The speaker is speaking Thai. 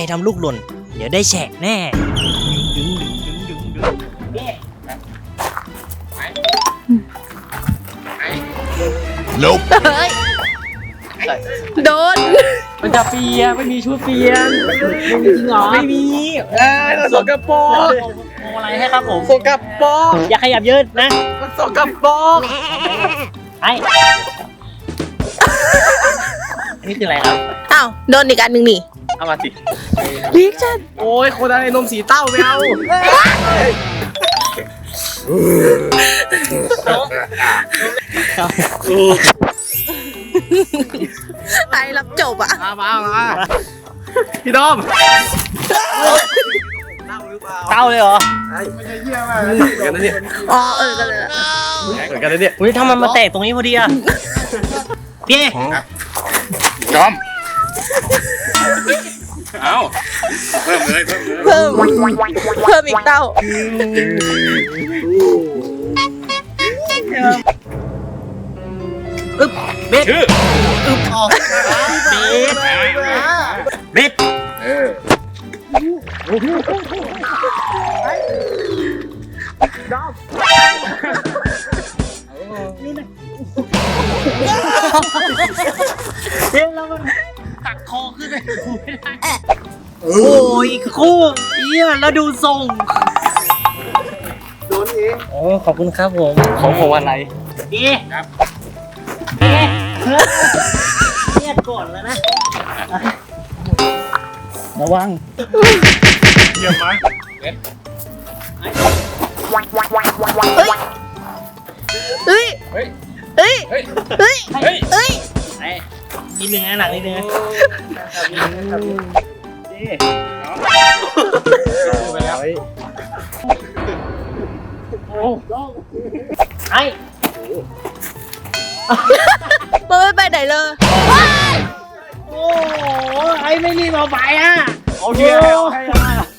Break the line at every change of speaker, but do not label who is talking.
ทำลูกหล่นเดี๋ยวได้แฉะแน่
Nope
โดน
มันจะเปียไม่มีชุดเปียนไม่มีจริงเหรอไม่มี
สกปรก
โอ้อะไรให้ครับผม
สกปรก
อย่าขยับเยอะนะ
สกปรก
ไอ้อันนี้คืออะไรครับ
อ้าวโดนอีกอันหนึ่งนี่
เอามาสิ
รีแอคชั่น
โอ้ยคนอะไรนมสีเต้าไม่เอา
ไอ้รับจบอ่ะ
มาพี่ดอม
เต้าเลยเหรอ
กันนะเนี่ย
อ๋อกันเลย
เหมือนกันนะเนี่ย
อุ้ยถ้ามันมาแตกตรงนี้พอดีอะพี่
จอมเอาเพิ่มเลย
เพิ่มอีกเต้า
เบ็ด
ชื่อ
เบ็ด เดี๋ยวเรามันตักคอขึ้นไปไม่ได้โอ้ยคู่เยี่ยแล้วดูทรงโดนเองโอ้ขอบคุณครับผม
ของอะไร
ดีครับดีเครียดก่อนแล้วนะระวัง
เยี่ยมไหม
เฮ้ย
เฮ้ย
เฮ้ย
เฮ้ย
เฮ้ย
เฮ้ย
เฮ้ย
ไอ้นิดนึงนะหนักนิดนึงนะดี
ไปแล้ว
ไอ้
มันไม่ไปไหนเลย
โอ้โหไอ้ไม่รีบเอาไปอ่ะ
โอเค